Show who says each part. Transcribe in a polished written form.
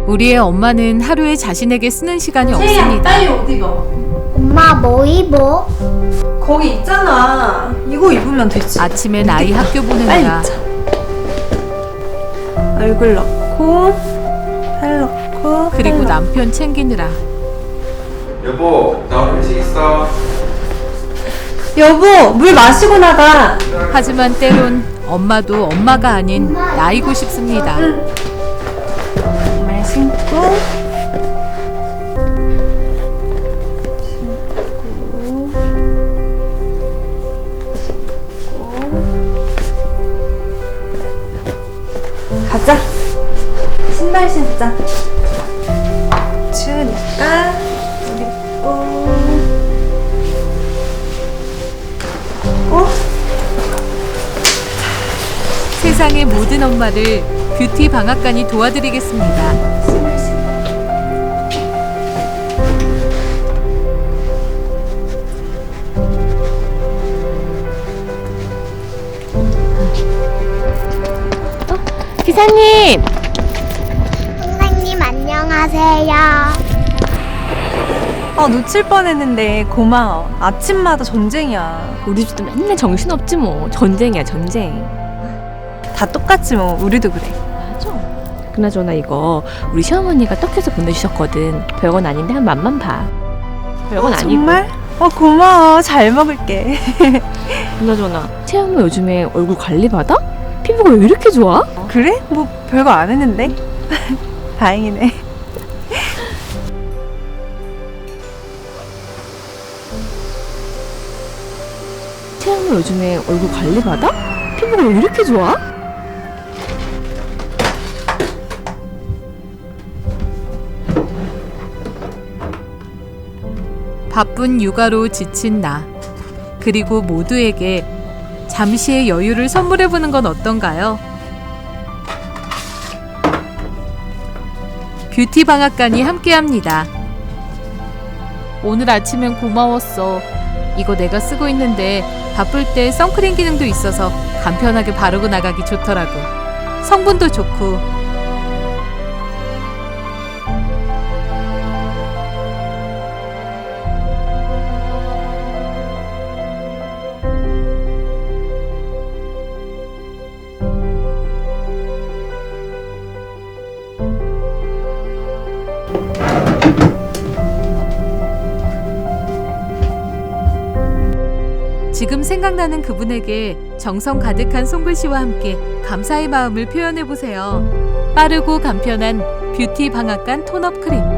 Speaker 1: 우리의 엄마는 하루에 자신에게 쓰는 시간이
Speaker 2: 채희야,
Speaker 1: 없습니다.
Speaker 2: 빨리 옷 입어.
Speaker 3: 엄마 뭐 입어?
Speaker 2: 거기 있잖아. 이거 입으면 되지.
Speaker 1: 아침엔 아이 학교
Speaker 2: 빨리
Speaker 1: 보내느라
Speaker 2: 입자. 얼굴 넣고 팔 넣고
Speaker 1: 그리고
Speaker 2: 팔
Speaker 1: 남편 챙기느라
Speaker 4: 여보, 나 오늘 회식 있어.
Speaker 2: 넣고. 여보, 물 마시고 나가.
Speaker 1: 하지만 때론 엄마도 엄마가 아닌 나이고 싶습니다.
Speaker 2: 말 신고. 가자. 신발 신자. 추우니까 옷 입고.
Speaker 1: 세상의 모든 엄마를 뷰티 방앗간이 도와드리겠습니다.
Speaker 2: 신발 신고.
Speaker 3: 기사님! 선생님 안녕하세요.
Speaker 2: 놓칠 뻔했는데 고마워. 아침마다 전쟁이야.
Speaker 5: 우리 집도 맨날 정신없지 뭐. 전쟁이야 전쟁.
Speaker 2: 다 똑같지 뭐. 우리도 그래.
Speaker 5: 맞아. 그나저나 이거 우리 시어머니가 떡해서 보내주셨거든. 별건 아닌데 한 맛만 봐. 별건 아니고.
Speaker 2: 정말? 고마워. 잘 먹을게.
Speaker 5: 그나저나 채영모 요즘에 얼굴 관리 받아? 피부가 왜 이렇게 좋아?
Speaker 2: 그래? 뭐 별거 안 했는데. 다행이네.
Speaker 5: 채영모 요즘에 얼굴 관리 받아? 피부가 왜 이렇게 좋아?
Speaker 1: 바쁜 육아로 지친 나. 그리고 모두에게 잠시의 여유를 선물해보는 건 어떤가요? 뷰티 방앗간이 함께합니다. 오늘 아침엔 고마웠어. 이거 내가 쓰고 있는데 바쁠 때 선크림 기능도 있어서 간편하게 바르고 나가기 좋더라고. 성분도 좋고. 지금 생각나는 그분에게 정성 가득한 손글씨와 함께 감사의 마음을 표현해보세요. 빠르고 간편한 뷰티 방앗간 톤업 크림.